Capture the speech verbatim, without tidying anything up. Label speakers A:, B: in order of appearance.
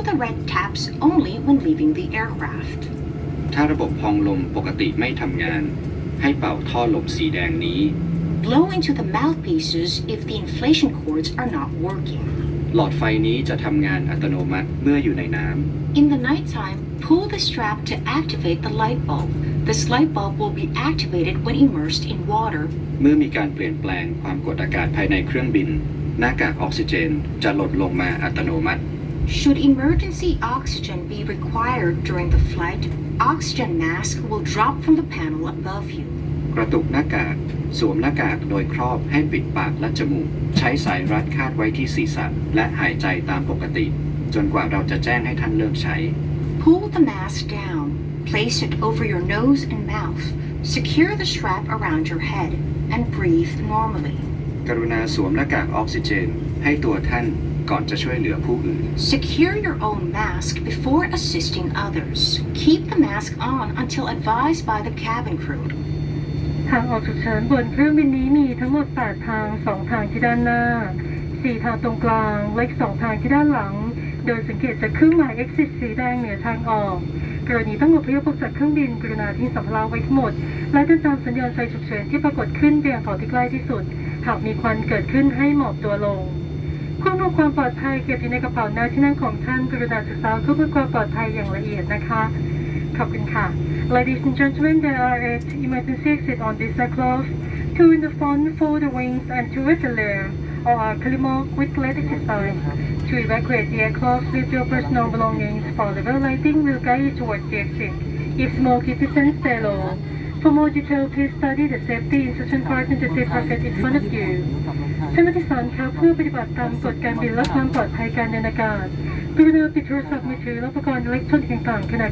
A: the red taps only when leaving the aircraft.
B: ถ้าระบบพองลมปกติไม่ทำงานให้เป่าท่อลมสีแดงนี้
A: Blow into the mouthpieces if the inflation cords are not working.
B: หลอดไฟนี้จะทำงานอัตโนมัติเมื่ออยู่ในน้ำ
A: In the nighttime, pull the strap to activate the light bulb. This light bulb will be activated when immersed in water.
B: เมื่อมีการเปลี่ยนแปลงความกดอากาศภายในเครื่องบินหน้ากากออกซิเจนจะหล่นลงมาอัตโนมัติ
A: Should emergency oxygen be required during the flight, oxygen mask will drop from the panel above you.
B: กระตุกหน้ากากสวมหน้ากากโดยครอบให้ปิดปากและจมูกใช้สายรัดคาดไว้ที่ศีรษะและหายใจตามปกติจนกว่าเราจะแจ้งให้ท่านเลิกใช้
A: Pull the mask down, place it over your nose and mouth, secure the strap around your head, and breathe normally.
B: กรุณาสวมหน้ากากออกซิเจนให้ตัวท่านก่อนจะช่วยเหลือผู้อื่น
A: Secure your own mask before assisting others. Keep the mask on until advised by the cabin crew.
C: ทางออกฉุกเฉินบนเครื่องบินนี้มีทั้งหมดแปดทางสองทางที่ด้านหน้าสี่ทางตรงกลางและอีกสองทางที่ด้านหลังโดยสังเกตจากเครื่องหมาย exit สีแดงเหนือทางออกกรณีต้องอพยพออกจากเครื่องบินกรุณาทิ้งสัมภาระไว้ทั้งหมดและเดินตามสัญญาณไฟฉุกเฉินที่ปรากฏขึ้นไปยังเขาที่ใกล้ที่สุดหากมีควันเกิดขึ้นให้หมอบตัวลงควบคุมความปลอดภัยเก็บอยู่ในกระเป๋าหน้าที่นั่งของท่านกรุณาศึกษาเพื่อความปลอดภัยอย่างละเอียดนะคะขอบคุณค่ะ Ladies and gentlemen, there are eight emergency exits on this aircraft, two in the front for the wings and two at the rear, or are Kalimok with lead exercise. To evacuate the aircraft with your personal belongings, for level lighting will guide you towards the exit. If smoke is present, stay low. For more detail, please study the safety instruction card in the safe pocket in front of you. ท่านผู้โดยสารคะเพื่อปฏิบัติตามกฎการบินและความปลอดภัยการเดินอากาศกรุณาปิดโทรศัพท์มือถือและอุปกรณ์อิเล็กทรอนิกส์ต่างๆขณะ